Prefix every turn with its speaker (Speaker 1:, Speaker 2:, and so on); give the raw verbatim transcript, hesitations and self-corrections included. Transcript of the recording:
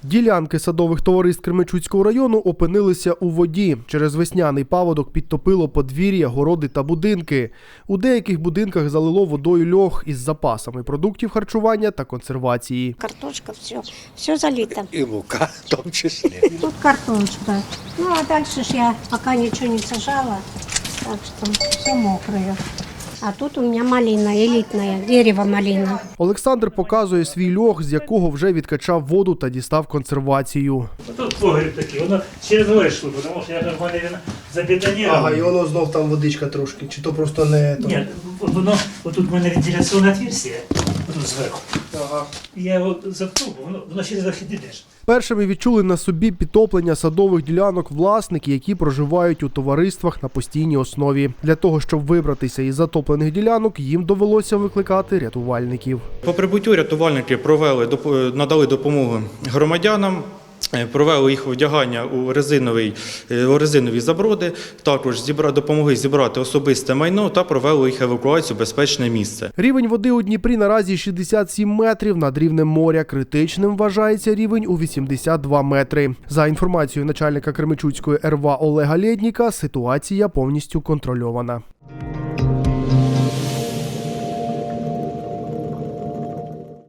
Speaker 1: Ділянки садових товариств Кременчуцького району опинилися у воді. Через весняний паводок підтопило подвір'я, городи та будинки. У деяких будинках залило водою льох із запасами продуктів харчування та консервації.
Speaker 2: Картошка, все, все залито.
Speaker 3: И мука в том числе.
Speaker 2: Тут картошка. Ну а дальше ж я пока ничего не сажала, так что все мокрое. А тут у меня малина, элитная, дерево малина.
Speaker 1: Олександр показує свій льох, з якого вже відкачав воду та дістав консервацію.
Speaker 4: Тут погріб такий, воно через горе йшло, тому що я нормально він забетонував.
Speaker 5: Ага, і воно знов там водичка трошки, чи то просто не... то-
Speaker 4: Ні, воно, отут в мене вентиляційне отверстие, отут зверху.
Speaker 5: Ага.
Speaker 4: Я його заткнув, воно, воно через захід йдеш.
Speaker 1: Першими відчули на собі підтоплення садових ділянок власники, які проживають у товариствах на постійній основі. Для того, щоб вибратися із затоплених ділянок, їм довелося викликати рятувальників.
Speaker 6: По прибуттю рятувальники провели, доп- надали допомогу громадянам, е, провели їх вдягання у, резиновий, е, у резинові заброди, також зібра, допомогли зібрати особисте майно та провели їх евакуацію в безпечне місце.
Speaker 1: Рівень води у Дніпрі наразі шістдесят сім метрів над рівнем моря. Критичним вважається рівень у вісімдесят два метри. За інформацією начальника Кременчуцької РВА Олега Лєдніка, ситуація повністю контрольована.